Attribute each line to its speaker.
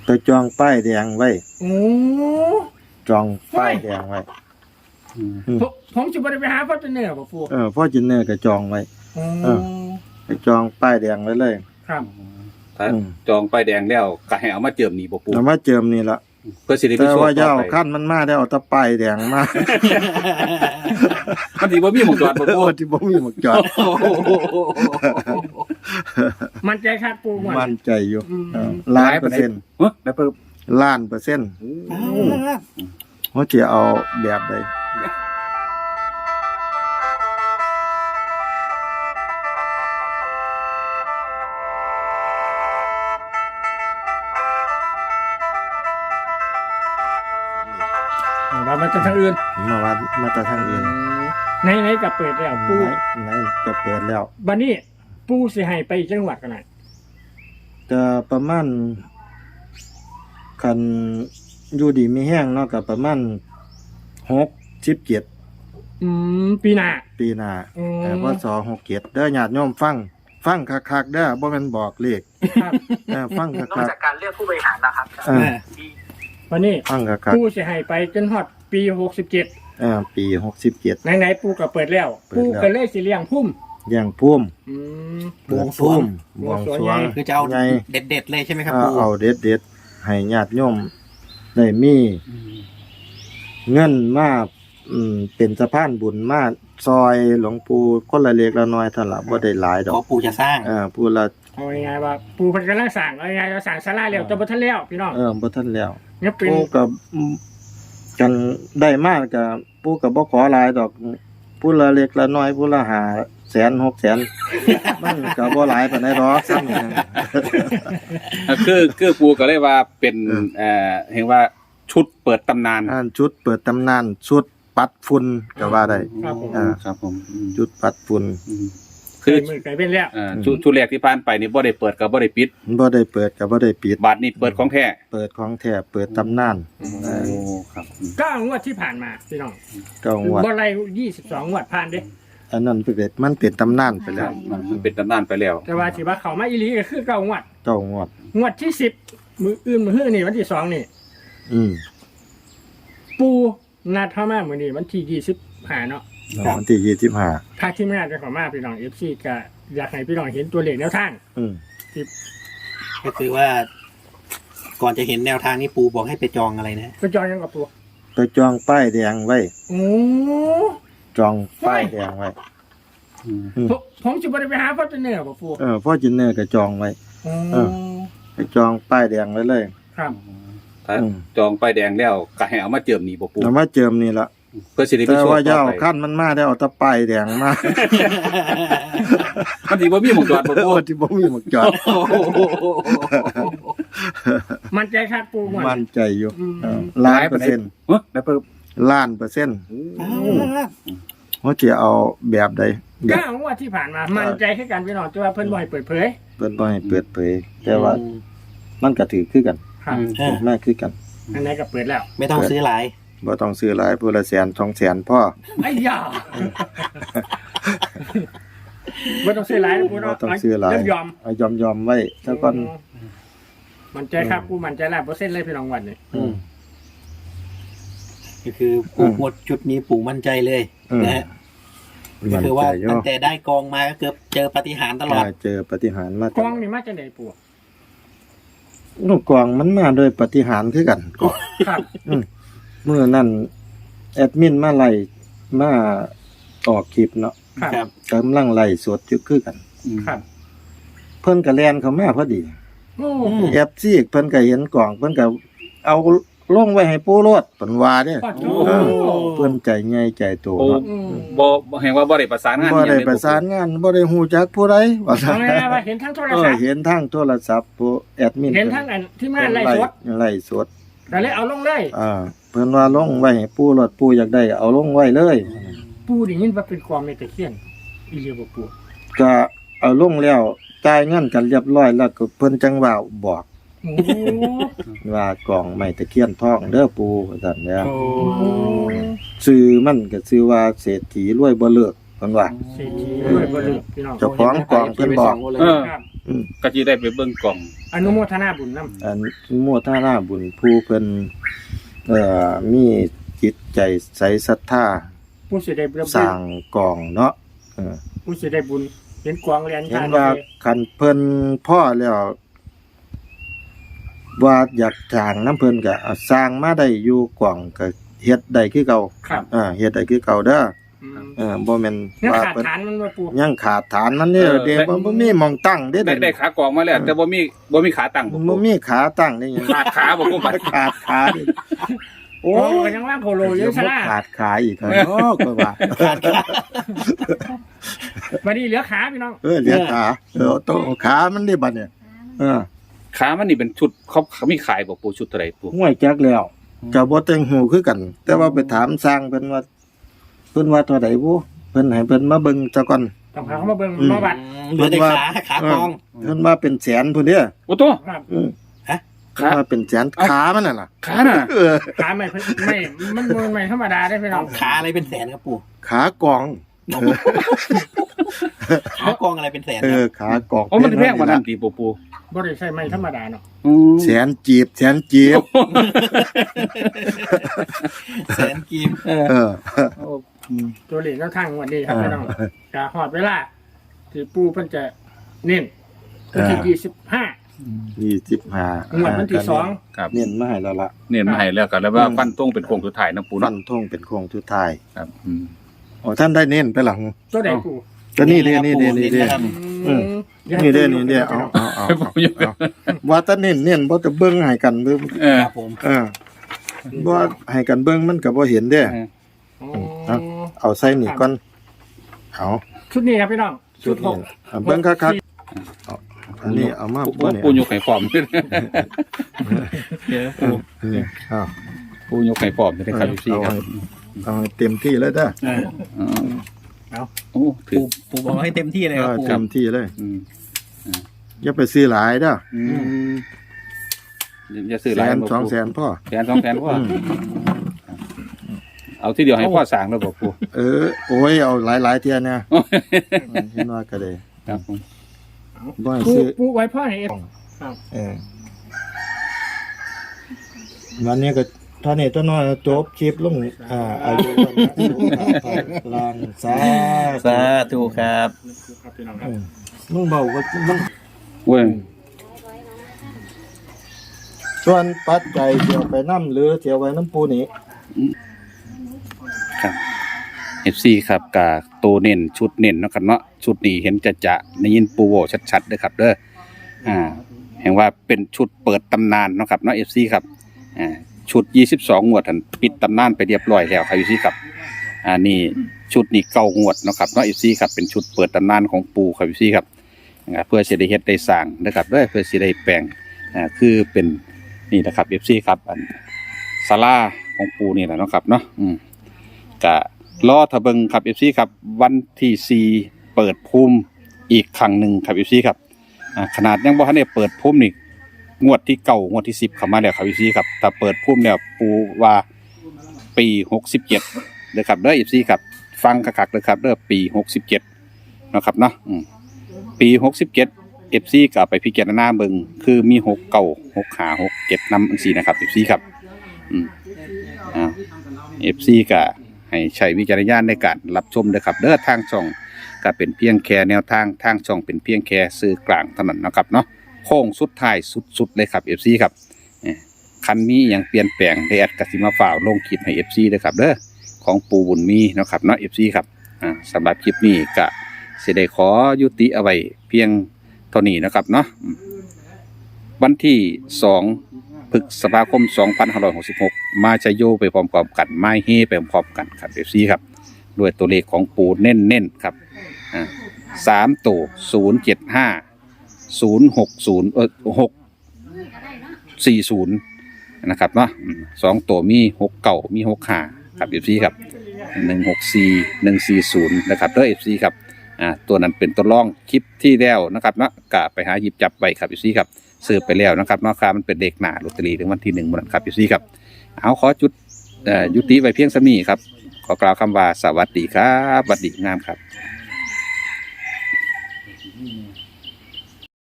Speaker 1: ไปจองป้ายแดงไว้
Speaker 2: โอ้
Speaker 1: จองป้ายแดงไว้
Speaker 2: ผมจะไปหาพ่อจะเหนือป่ะปู
Speaker 1: พ่อจินเนอร์ก็จองไว้
Speaker 2: โอ้
Speaker 1: ไปจองป้ายแดงไว้เลย
Speaker 2: ครับ
Speaker 3: ถ้าจองป้ายแดงแล้วก็ให้เอามาเจิมนี่บ่ปู่
Speaker 1: แล้วมาเจิมนี่ละ
Speaker 3: เพื่อสิได้มี
Speaker 1: แต่
Speaker 3: โชค
Speaker 1: ว่า
Speaker 3: ต่
Speaker 1: เจ้า
Speaker 3: อไป
Speaker 1: ขั้นมันมาได้เอาแตะป้ายแดงมา
Speaker 3: มันสิบ่มีหม่องจอดบ่ปู่
Speaker 1: โอ้ที่บ่มีหมวกจอด
Speaker 2: มันใจคัดปูหมด
Speaker 1: มั่นใจอยู่
Speaker 2: อืม
Speaker 1: ล้านเปอร์เซ็นต์
Speaker 3: เฮ้ยได้เพิ่ม
Speaker 1: ล้านเปอร์เซ็นต์ว่าจะเอาแบบใด
Speaker 2: ว่ามันจะทางอื่น
Speaker 1: มาวัดมาแต่ทางอื่น
Speaker 2: ในกับเปิดแล้วปู
Speaker 1: ไหนจะเปิดแล้ว
Speaker 2: บัดนี้ปูสิให้ไปจังหวัดกันไหน
Speaker 1: จะประมาณคันอยู่ดีมีแห้งเนาะกับประมาณ67
Speaker 2: ปีหน้า
Speaker 1: ปีหน้า
Speaker 2: อืม
Speaker 1: แต่พศ67เด้อญาติโยมฟังคักๆเด้อบ่แม่นบอกเลข
Speaker 2: ครับ
Speaker 1: ฟัง
Speaker 4: นอก
Speaker 1: คัก
Speaker 4: จากการเลือกผู้บริหารแล้วครับ
Speaker 1: ๆเออ
Speaker 2: บัดนี้
Speaker 1: ฟังคัก
Speaker 2: ปูสิให้ไปจนฮอดปี67
Speaker 1: ๆปี67
Speaker 2: ไหนๆปูก็เปิดแล้ว
Speaker 1: เปิดแล้ว
Speaker 2: ปูก็เลยสิเลี้ยงพุ่ม
Speaker 1: อย่างพุ่ม
Speaker 2: อืม
Speaker 1: เปิดพุ่มบวงสรวง
Speaker 4: คือจะเอา
Speaker 1: ไง
Speaker 4: เด็ดๆเลยใช่ไหมครับ
Speaker 1: เอา
Speaker 4: ปู
Speaker 1: เอาเด็ดๆให้ญาติโยมได้มีเงินมาเป็นสะพานบุญมาซอยหลวงปู่คนละเล็กละน้อยเท่านั้นล่ะบ่ได้หลายดอ
Speaker 4: ขอก ปูจะสร้าง
Speaker 1: ผู้ละ
Speaker 2: เอาง่ายๆว่าปูเพิ่นกำลังสั่งเอาง่ายๆเราสั่งศาลาแล้วจะบ่ทันแล้วพี่น้อง
Speaker 1: บ่ทันแล้ว
Speaker 2: เนี่ยเป็น
Speaker 1: ปู่ก็กันได้มากก็ปู่ก็บ่ขอหลายดอกผู้ละเล็กละน้อยผู้ละ500,000 600,000มันก็บ่หลายปานใดดอกซ้ำนี่นะ
Speaker 3: คือปู่ก็เลยว่าเป็นเห็นว่าชุดเปิดตำนาน
Speaker 1: อันชุดเปิดตำนานชุดปัดฝุ่นก็ว่าได้
Speaker 2: ครับผม
Speaker 3: ครับผม
Speaker 1: ชุดปัดฝุ่น
Speaker 3: คือ
Speaker 2: มือไก่เป็นแล้ว
Speaker 3: ชุดแรกที่ผ่านไปนี่บ่ได้เปิดกับบ่ได้ปิด
Speaker 1: บ่ได้เปิดก็บ่ได้ปิด
Speaker 3: บัตรนี่เปิดของแท้
Speaker 1: เปิดของแท้เปิดตำนาน
Speaker 3: โอ้ครับ
Speaker 2: 9งวดที่ผ่านมาพี่น้อง
Speaker 1: ก็งวด
Speaker 2: บ่ไล่22งวดผ่านเด้
Speaker 1: อันนั้นมันเป็นตำนานไปแล้ว
Speaker 3: มันเป็นตำนานไปแล้ว
Speaker 2: แต่ว่าที่ว่าเขามาอีหลีก็คือ9งวด
Speaker 1: เก้างวด
Speaker 2: งวดที่10มื้ออื่นมื้อนี่วันที่2นี่
Speaker 1: อืม
Speaker 2: ปูนัดเข้ามามื้อนี้วันที่25เนาะ
Speaker 1: วันที่25
Speaker 2: ถ้าที่ไม่น่าจะเข้ามาพี่น้อง FC ก็อยากให้พี่น้องเห็นตัวเลขแนวทาง
Speaker 1: อืม
Speaker 4: ก็คือว่า ก่อนจะเห็นแนวทางนี้ปูบอกให้ไปจองอะไรนะ
Speaker 2: ก็จองยังกับปู
Speaker 1: ไปจองป้ายแดงไว้
Speaker 2: โอ้
Speaker 1: จองป้ายแดงไว้
Speaker 2: ผมจะไปหาพ่อจะเหนือป่ะปู
Speaker 1: พ่อจินเนอร์ก็จองไว้
Speaker 2: โอ้
Speaker 1: ไปจองป้ายแดงไว้เลย
Speaker 2: ครับ
Speaker 3: ถ้าจองป้ายแดงแล้วก็ให้เอามาเจิมนี่บ่ปู่
Speaker 1: แล้วมาเจิมนี่ละ
Speaker 3: เพื่อสิได้มี
Speaker 1: แต่
Speaker 3: โชค
Speaker 1: ว่า
Speaker 3: ต่
Speaker 1: เจ้า
Speaker 3: อไป
Speaker 1: ขั้นมันมาได้เอาแตะป้ายแดงมา
Speaker 3: มันสิบ่มีหม่องจอดบ่
Speaker 1: โอ้
Speaker 3: ปู่
Speaker 1: ที่บ่มีหมวกจอด
Speaker 2: มันใจคัดปูหมด
Speaker 1: มั่นใจอยู่ล้านเปอร์เซ็นต์
Speaker 3: เฮ้ยได้เพิ่ม
Speaker 1: ล้านเปอร์เซ็นต์ว่าจะเอาแบบใดแบบ
Speaker 2: 9งวดที่ผ่านมา มันใจแค่กันพี่น้องแต่ว่าเพิ่นบ่ให้เปิดเผย
Speaker 1: เปิดบ่ให้เปิดเผยแต่ว่ามันก็ถือคือกัน
Speaker 2: ครับ
Speaker 1: มากคือกัน
Speaker 2: อันไหนก็เปิดแล้ว
Speaker 4: ไม่ต้องซื้อหลาย
Speaker 1: บ่ต้องซื้อหลายผู้ละ100,000 200,000พ่อ
Speaker 2: ไอ้ยาบ่ต้องซื้อหลายนะปู
Speaker 1: บ่
Speaker 2: เนาะ
Speaker 1: ต้องซื้อหลาย
Speaker 2: ยอม
Speaker 1: เอายอมไว้ซะก่อน
Speaker 2: มันใจครับปูมันใจ100%เลยพี่น้องวันนี้
Speaker 1: อืม
Speaker 4: ก็คือปูหมดจุดนี้ปูมั่นใจเลย
Speaker 1: อืม
Speaker 4: นะฮะก็
Speaker 1: มั่น
Speaker 4: คือ
Speaker 1: ใจ
Speaker 4: ว่า
Speaker 1: อยู่
Speaker 4: ตั้งแต่ได้กองมาก็เกือบเจอปาฏิหาริย์ตลอด
Speaker 1: เจอปาฏิหาริย์มาก
Speaker 2: องนี่มาจากไหนปู
Speaker 1: ลูกกวางมันมาโดยปาฏิหาริย์คือกัน
Speaker 2: ครับ
Speaker 1: เมื่อนั้นแอดมินมาไล่มาออกคลิปเนาะ
Speaker 2: ครับ
Speaker 4: ครับ
Speaker 1: กำลังไล่สดอยู่คือกัน
Speaker 2: ครับ
Speaker 1: เพิ่นก็แล่นเข้ามาพอดี
Speaker 2: โอ้
Speaker 1: แอปซีกเพิ่นก็เห็นกล่องเพิ่นก็เอาลงไว้ให้ปู่โลดเพิ่นว่าเด้
Speaker 2: ปอด
Speaker 1: เออเพิ่นใจใหญ่ใจโต
Speaker 3: โอ้
Speaker 1: เนาะ
Speaker 3: บ่เห็นว่าบ่ได้ประสานงาน
Speaker 1: บ่ได้ประสานงานบ่ได้ฮู้จักผู้ใดว่าซั่
Speaker 2: เอา
Speaker 1: น
Speaker 2: ง่ายๆว่าเห็นทั้งโทรศัพท์
Speaker 1: เห็นทางโทรศัพท์ผู้แอดมิน
Speaker 2: เห็นทั้งอันที่มาไล่สด
Speaker 1: ไล่สด
Speaker 2: ก็เลยเอาลงเลย
Speaker 1: เพิ่นว่าลงไว้ให้ปู่โลดปู่อยากได้เอาลงไว้เลย
Speaker 2: ปูได้ยินว่าเป็นความในตะเคียนอีเลียบ่ปู
Speaker 1: ก็เอาลงแล้วจ่ายเงินกันเรียบร้อยแล้วก็เพิ่นจังว่าบอก
Speaker 2: โอ้
Speaker 1: ว่ากล่องไม้ตะเคียนทองเด้อปู่ว่าซั่นแหละ
Speaker 4: โอ้
Speaker 1: ชื่อมันก็ชื่อว่าเศรษฐีรวยบ่เลิกเพิ่นว่า
Speaker 2: เศรษฐีด้วยบ่ลืมพี่น้อง
Speaker 1: เจ้าของกล่องเพิ่นบอก
Speaker 3: เออก็จะได้ไปเบิ่งกล่อง
Speaker 2: อนุโมทนาบุญนำ
Speaker 1: อันโมทนาบุญผู้เพิ่นมีจิตใจใสศรัทธา
Speaker 2: ผู้สิได้บุญ
Speaker 1: สร้างกองเนาะ
Speaker 2: ผู้สิได้บุญเห็นกวางเรียน
Speaker 1: เห็นว่าคันเพิ่นพ่อแล้วว่าอยากสร้างน้ำเพิ่นก็สร้างมาได้อยู่กองก็เฮ็ดได้คือเก่า
Speaker 2: ครับ
Speaker 1: เฮ็ดได้คือเก่าเด้อ
Speaker 2: อืม
Speaker 1: บ่แม่น
Speaker 2: ยัง
Speaker 1: ว่า
Speaker 2: ขาด
Speaker 1: เพิ่น
Speaker 2: ฐานมันบ่ปู
Speaker 1: ยังขาดฐานมันเนี่ยเด้บ่มีหม่องตั้งเด้
Speaker 3: ได้ขากล่องมาแล้วแต่บ่มีขาตั้ง
Speaker 1: บ่มีขาตั้งได้หยัง
Speaker 3: ขาดขาบ่ปูบัด
Speaker 1: ขาดขาดิโอ้
Speaker 2: โอ้
Speaker 1: ย
Speaker 2: ก็ยังว่าโคโลอยู่ซะล่ะ
Speaker 1: ขาดขาอีกแล้วเนาะก็ว่า
Speaker 2: บัดนี้เหลือขาพี่น้อง
Speaker 1: เหลือขาต้องเอาขามันได้บัดเนี่ย
Speaker 3: ขามันนี่เป็นชุดเขามีขายบ่ปูชุดเท่าไหร่ปู
Speaker 1: ห้วยจักแล้วก็บ่แต่งหูคือกัน แต่ว่าไปถามสร้างเพิ่นว่าเท่าใดบ่เพิ่นให้เพิ่นมาเบิ่งซะก่อน
Speaker 2: ต้องพาเขามาเบิ่งมาบัด
Speaker 4: เหลือแต่ขากอง
Speaker 1: เพิ่นว่าเป็นแสนพุ่นเด้อ
Speaker 3: โอ้ตัว
Speaker 2: ครับ
Speaker 1: เพิ่นว่าเป็นแสนขามันน่ะล่ะ
Speaker 3: ขาน่ะ
Speaker 2: ขาไม่มันไม่ธรรมดาได้พี่น้อง
Speaker 4: ขาอะไรเป็นแสนครับปู่
Speaker 1: ขากอง
Speaker 4: ขากองอะไรเป็นแสนครับ
Speaker 1: ขากอง
Speaker 3: โอ้มันแพงกว่านั้นติปู
Speaker 2: บ่ได้ใช่ไม่ธรรมดาเนาะ
Speaker 1: แสนจีบ
Speaker 4: แสนกีบ
Speaker 2: ตัวเลขแนวทางวันนี้ครับพี่น้องก็ฮอดเวลาที่ปูเพิ่นจะเน้นวันที่25 งวดวันที่2
Speaker 3: ครับ
Speaker 1: เน้นมาให้แล้วล่ะ
Speaker 3: เน้นมาให้แล้วก็แล้วว่าฟันตรงเป็นโค้งสุดท้ายนะปู
Speaker 1: ฟั
Speaker 3: เนาะ
Speaker 1: นธงเป็นโค้งสุดท้าย
Speaker 3: ครับ
Speaker 1: อ๋อท่านได้เน้นไปหลัง
Speaker 2: ตัวใดปู
Speaker 1: ก็นี่เด้นี่
Speaker 4: ครับ
Speaker 1: นี่เด้เอาว่าแตาเน้นบ่จะเบิ่งให้กันเบิ่ง
Speaker 4: ครับผม
Speaker 1: บ่ให้กันเบิ่งมันก็บ่เห็นเด้ เอาใส่นี่ก่อนเอา
Speaker 2: ชุดนี้ครับพี่น้อง
Speaker 1: ชุดนี้เบิ่งคักๆอันนี้เอามาบ่เนี่ย
Speaker 3: ปูยกไข่ฟอม
Speaker 4: เดี๋ยวปู่
Speaker 1: นี่อ้าว
Speaker 3: ปูยกไข่ฟอมได้ครับพี่ครับ
Speaker 1: เอาให้เต็มที่เลยเด้อ
Speaker 3: โอ้ถือ
Speaker 4: ปู่บอกให้เต็มที่เลยครับปู่
Speaker 1: เต็มที่เลยอย่าไปซื้อหลายเด้อ
Speaker 3: อย่าซื้อห
Speaker 1: แส
Speaker 3: ลาย
Speaker 1: นสองแสนพ่อ
Speaker 3: แสน2แสนพ่อเอาที่เดียวให้พ่อสั่งแล้วบอกปู
Speaker 1: โอ้ยเอาหลายๆเที่ยเนี่ยเห็นว่าก็ได้
Speaker 3: ครับผม
Speaker 1: บ่ให้ซื้อ
Speaker 2: ปูไว้พ่อให้
Speaker 1: วันนี้ก็เท่านี้ตัวน้อยจบคลิปลงอายุวันสุขภาพลางสา
Speaker 4: สาธุครับ
Speaker 2: ครับพี่น้องครับ
Speaker 1: มึงเบาว่ามึง
Speaker 3: เว้ย
Speaker 1: ส่วนปัจจัยเที่ยวไปน้ำหรือเที่ยวไว้น้ำปูนี่
Speaker 3: ครับ FC ครับกาโตเน้นชุดเน้นเนาะครับเนาะชุดนี้เห็นจะได้ยินปูโวชัดๆเด้อครับเด้อแห่งว่าเป็นชุดเปิดตำนานเนาะครับเนาะ FC ครับชุด22งวดท่านปิดตำนานไปเรียบร้อยแล้วครับ FC ครับนี่ชุดนี้9งวดเนาะครับเนาะ FC ครับเป็นชุดเปิดตำนานของปูครับ FC ครับเพื่อสิได้เฮ็ดได้สร้างนะครับเด้อเพื่อสิได้แปลงคือเป็นนี่นะครับ FC ครับอันศาลาของปูนี่แหละเนาะครับเนาะก็รอทะเบิงครับ FC ครับวันที่4เปิดภูมิอีกครั้งหนึ่งครับ FC ครับขนาดยังบ่ทันได้เปิดภูมินี่งวดที่9งวดที่10เข้ามาแล้วครับ FC ครับถ้าเปิดภูมิแล้วปูว่าปี67เด้อครับเด้อ FC ครับฟังคักๆเด้อครับเด้อปี67เนาะครับเนาะปี67 FC ก็ไปพิจารณาเบิ่งคือมี6 9 6 5 6 7นำจังซี่นะครับ FC ครับFC ก็ให้ใช้วิจารณญาณในการรับชมด้วยครับเด้อทางช่องก็เป็นเพียงแค่แนวทางช่องเป็นเพียงแค่สื่อกลางเท่านั้นนะครับเนาะโค้งสุดท้ายสุดๆเลยครับ FC ครับคันนี้ยังเปลี่ยนแปลงได้แอดกสิมาฝ่าวลงคลิปให้ FC ด้วยครับเด้อของปูบุญมีนะครับเนาะ FC ครับสำหรับคลิปนี้ก็สิได้ขอยุติเอาไว้เพียงเท่านี้นะครับเนาะวันที่2พฤษภาคม 2566 มาจะโยไปพร้อมๆกันไม่เฮไปพร้อมๆกันครับ FC ครับด้วยตัวเลขของปูเน้นๆครับ3ตัว075 060 นะครับเนาะ2ตัวมี69มี65ครับ FC ครับ164 140นะครับเด้อ FC ครับตัวนั้นเป็นตัวรองคลิปที่แล้วนะครับเนาะก็ไปหาหยิบจับไว้ครับ FC ครับซื้อไปแล้วนะครับเนาะครับมันเป็นเด็กหน้าลอตเตอรี่ถึงวันที่1มื้อนั้นครับ FC ครับเอาขอจุดยุติไว้เพียงซะนี้ครับขอกล่าวคำว่าสวัสดีครับสวัสดีงามครับ